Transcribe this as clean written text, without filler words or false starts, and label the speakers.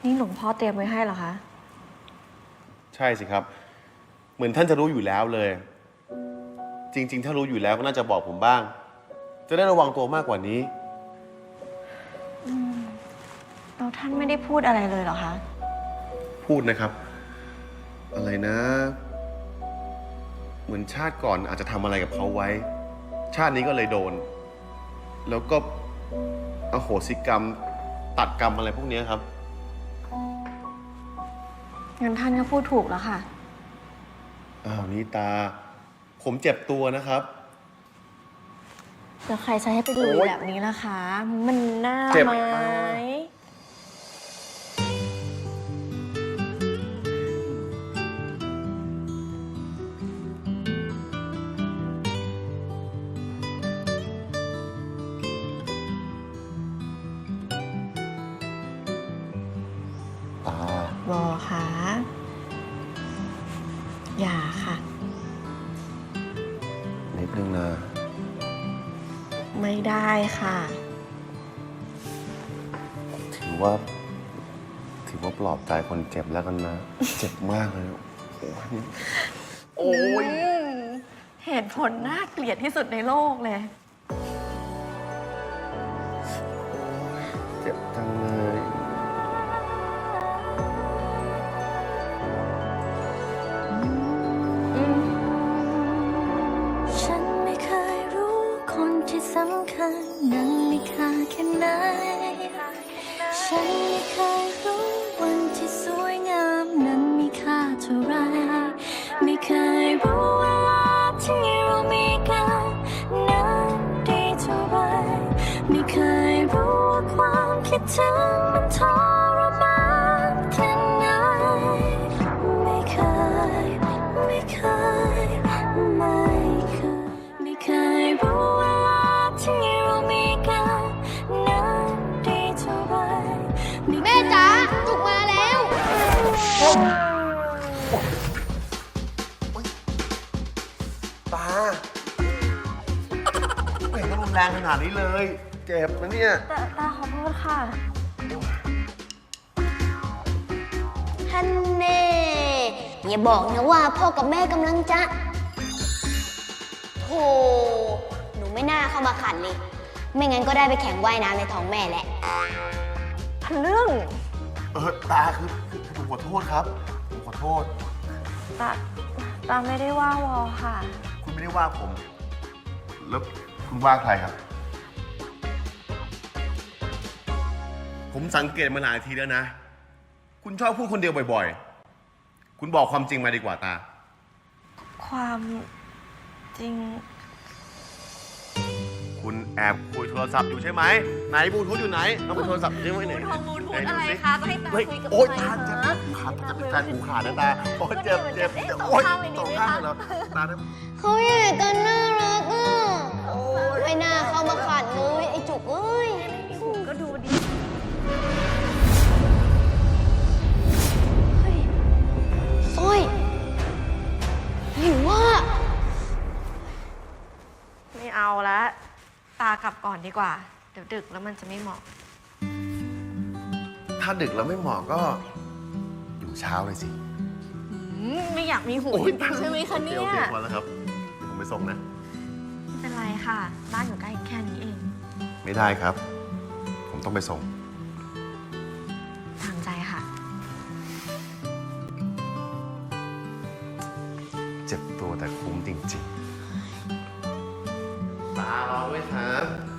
Speaker 1: นี่หลวงพ่อเตรียมไว้ให้เหรอคะ
Speaker 2: ใช่สิครับ เหมือนท่านจะรู้อยู่แล้วเลย จริงๆ ถ้ารู้อยู่แล้วก็น่าจะบอกผมบ้าง จะได้ระวังตัวมากกว่านี้
Speaker 1: แล้วท่านไม่ได้พูดอะไรเลยเหรอคะ
Speaker 2: พูดนะครับ อะไรนะ เหมือนชาติก่อนอาจจะทำอะไรกับเขาไว้ ชาตินี้ก็เลยโดน แล้วก็อโหสิกรรม ตัดกรรมอะไรพวกนี้ครับ
Speaker 1: งั้นท่านก็พูดถูกแล้วค่ะ
Speaker 2: อ้าวนี่ตา ผมเจ็บตัวนะครับ
Speaker 1: แล้วใครจะให้ไปดูแบบนี้ล่ะคะ มันน่าไหม
Speaker 2: ตา
Speaker 1: บอคะอย่าค่ะ
Speaker 2: นิดนึงนะ
Speaker 1: ไม่ได้ค่ะ
Speaker 2: ถือว่าปลอบใจคนเจ็บแล้วกันนะ เจ็บมากเลย โอ้ย
Speaker 1: เหตุผลน่าเกลียดที่สุดในโลกเลย
Speaker 2: เจ็บจังเลย
Speaker 3: ฉันไม่เคยรู้คนที่สำคัญนั้นมีค่าแค่ไหน ฉันไม่เคยรู้วันที่สวยงามนั้นมีค่าเท่าไร ไม่เคยรู้เวลาที่เรามีกันนั้นดีเท่าไร ไม่เคยรู้ว่าความคิดถึงมันทรมานแค่ไหน ไม่เคยไม่เคยรู้เวลาที่เรามีกันนั้นดีเท่าไร
Speaker 4: แม่จ๋าจุกมาแล้ว
Speaker 2: ตา ไม่เห็นต้องรุนแรงขนาดนี้เลย เจ็บนะเนี่ย
Speaker 1: ตาขอโทษค่ะ
Speaker 4: ท่านเน่อย่าบอกนะว่าพ่อกับแม่กำลังจะโธ่หนูไม่น่าเข้ามาขัดเลย ไม่งั้นก็ได้ไปแข่งว่ายน้ำในท้องแม่แหละ
Speaker 1: เรื่อง
Speaker 2: ตาคือผมขอโทษครับ ผมขอโทษ
Speaker 1: ตาไม่ได้ว่าวอค่ะ
Speaker 2: คุณไม่ได้ว่าผม แล้วคุณว่าใครครับ ผมสังเกตมาหลายทีแล้วนะ คุณชอบพูดคนเดียวบ่อยๆ คุณบอกความจริงมาดีกว่าตา
Speaker 1: ความจริง
Speaker 2: คุณแอบคุยโทรศัพท์อยู่ใช่ไหม ไหนบลูทูธอยู่ไหนเอาไปโทรศัพท์ใช่ไหมไหน
Speaker 1: บลูทูธ
Speaker 2: หน
Speaker 1: อะไร
Speaker 2: ดูสิ
Speaker 1: คะจะให้ตา
Speaker 2: เฮ้ย
Speaker 1: คุยกับ
Speaker 2: โอ๊ย
Speaker 1: ใคร
Speaker 2: ตาเจ็บ
Speaker 1: คะ
Speaker 2: ขาดจะเป็นแฟนหูขาดนะตาโอ๊ยเจ็บเจ็บเจ็บโอ๊ยสองข้างเลยเหรอตาเนี่ย
Speaker 4: เขาใหญ่กันน่ารักอ่ะไม่น่าเข้ามาขัดเลยไอ้จุกเอ้ย
Speaker 1: ก็ดูดี
Speaker 4: สร้อยหรือว่า
Speaker 1: ไม่เอาละตากลับก่อนดีกว่า เดี๋ยวดึกแล้วมันจะไม่เหมาะ
Speaker 2: ถ้าดึกแล้วไม่เหมาะก็ อยู่เช้าเลยสิ
Speaker 1: ไม่อยากมีหูจริงๆใช่ไหมคะเนี่ย
Speaker 2: โอเคพอแล้วครับเดี๋ยวผมไปส่งนะ
Speaker 1: ไม่เป็นไรค่ะ บ้านอยู่ใกล้แค่นี้เอง
Speaker 2: ไม่ได้ครับ ผมต้องไปส่ง
Speaker 1: ทางใจค่ะ
Speaker 2: เจ็บตัวแต่คุ้มจริงๆ ตารอด้วยครับ